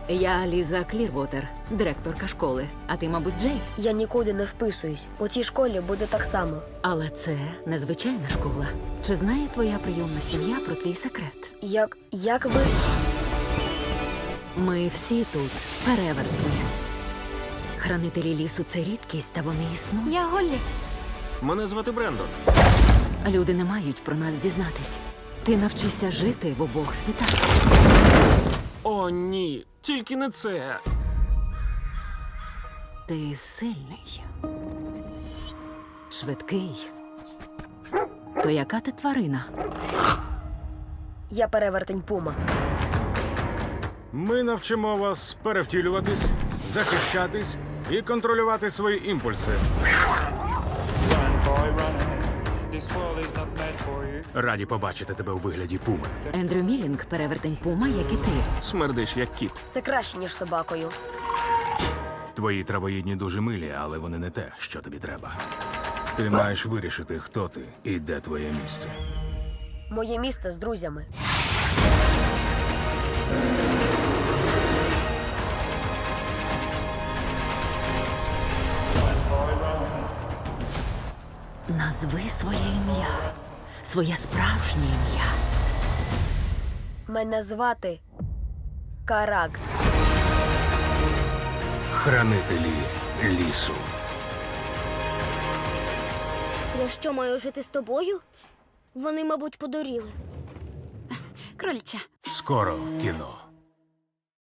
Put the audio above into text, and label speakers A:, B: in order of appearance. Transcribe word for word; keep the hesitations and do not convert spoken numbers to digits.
A: Я Ліза Клірвотер, директорка школи. А ти, мабуть, Джей.
B: Я нікуди не вписуюсь. У цій школі буде так само.
A: Але це незвичайна школа. Чи знає твоя прийомна сім'я про твій секрет?
B: Як. як ви.
A: Ми всі тут перевертні. Хранителі лісу – це рідкість, та вони існують.
C: Я Голлі.
D: Мене звати Брендон.
A: Люди не мають про нас дізнатись. Ти навчишся жити в обох світах.
D: О, ні, тільки не це.
A: Ти сильний. Швидкий. То яка ти тварина?
B: Я перевертень Пума.
E: Ми навчимо вас перевтілюватись, захищатись і контролювати свої імпульси.
F: Run, boy, run. This world is not meant for you.
E: Раді побачити тебе у вигляді пуми.
A: Ендрю Мілінг – перевертень Пума, як і ти.
D: Смердиш, як кіт.
B: Це краще, ніж собакою.
E: Твої травоїдні дуже милі, але вони не те, що тобі треба. Ти маєш вирішити, хто ти і де твоє місце.
B: Моє місце з друзями.
A: Назви своє ім'я. Своє справжнє ім'я.
B: Мене звати Карак.
E: Хранителі лісу.
G: Я що, маю жити з тобою? Вони, мабуть, подуріли.
C: Кроліча.
E: Скоро в кіно.